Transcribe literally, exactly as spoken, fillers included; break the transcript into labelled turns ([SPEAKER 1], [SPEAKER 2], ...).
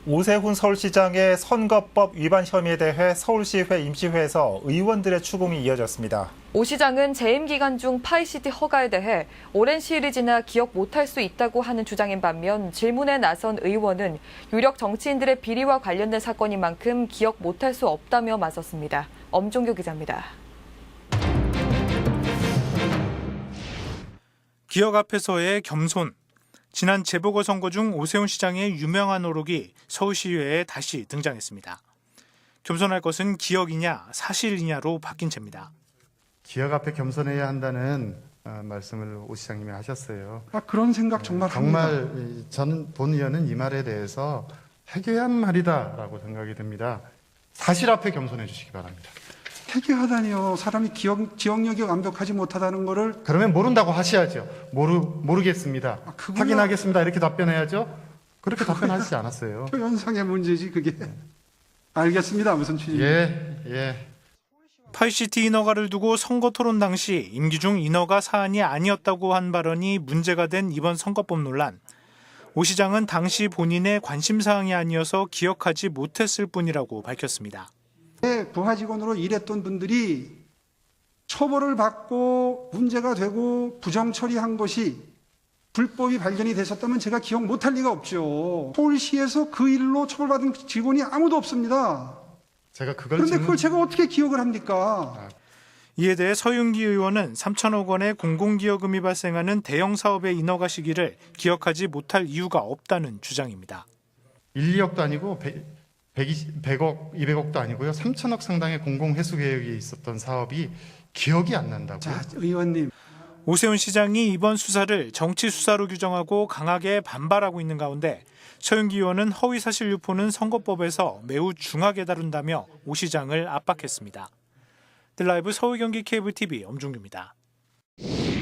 [SPEAKER 1] 오세훈 서울시장의 선거법 위반 혐의에 대해 서울시회 임시회에서 의원들의 추궁이 이어졌습니다.
[SPEAKER 2] 오 시장은 재임 기간 중 파이시티 허가에 대해 오랜 시일이 지나 기억 못할 수 있다고 하는 주장인 반면 질문에 나선 의원은 유력 정치인들의 비리와 관련된 사건인 만큼 기억 못할 수 없다며 맞섰습니다. 엄종교 기자입니다.
[SPEAKER 3] 기억 앞에서의 겸손. 지난 재보궐선거 중 오세훈 시장의 유명한 어록이 서울시의회에 다시 등장했습니다. 겸손할 것은 기억이냐 사실이냐로 바뀐 채입니다.
[SPEAKER 4] 기억 앞에 겸손해야 한다는 어, 말씀을 오 시장님이 하셨어요.
[SPEAKER 5] 아, 그런 생각 정말 합니다.
[SPEAKER 4] 정말 이, 저는 본 의원은 이 말에 대해서 해괴한 말이다라고 생각이 듭니다. 사실 앞에 겸손해 주시기 바랍니다.
[SPEAKER 5] 해괴하다니요. 사람이 기억, 기억력이 완벽하지 못하다는 거를.
[SPEAKER 4] 그러면 모른다고 하셔야죠. 모르, 모르겠습니다.
[SPEAKER 5] 아, 그거야.
[SPEAKER 4] 확인하겠습니다. 이렇게 답변해야죠. 그렇게 답변하시지 않았어요.
[SPEAKER 5] 표현상의 문제지 그게. 알겠습니다. 무슨 취지?
[SPEAKER 4] 예, 예.
[SPEAKER 3] 파이시티 인허가를 두고 선거 토론 당시 임기 중 인허가 사안이 아니었다고 한 발언이 문제가 된 이번 선거법 논란. 오 시장은 당시 본인의 관심 사항이 아니어서 기억하지 못했을 뿐이라고 밝혔습니다.
[SPEAKER 5] 부하 직원으로 일했던 분들이 처벌을 받고 문제가 되고 부정 처리한 것이 불법이 발견이 됐었다면 제가 기억 못할 리가 없죠. 서울시에서 그 일로 처벌받은 직원이 아무도 없습니다.
[SPEAKER 4] 제가 그걸
[SPEAKER 5] 그런데
[SPEAKER 4] 질문...
[SPEAKER 5] 그걸 제가 어떻게 기억을 합니까?
[SPEAKER 3] 이에 대해 서윤기 의원은 삼천억 원의 공공기여금이 발생하는 대형 사업의 인허가 시기를 기억하지 못할 이유가 없다는 주장입니다.
[SPEAKER 4] 일, 이억도 아니고 백억, 이백억도 아니고요. 삼천억 상당의 공공회수 계획이 있었던 사업이 기억이 안 난다고요.
[SPEAKER 5] 자, 의원님.
[SPEAKER 3] 오세훈 시장이 이번 수사를 정치 수사로 규정하고 강하게 반발하고 있는 가운데 서윤기 의원은 허위사실 유포는 선거법에서 매우 중하게 다룬다며 오 시장을 압박했습니다. 들 라이브 서울 경기 케이블 티비 엄중규입니다.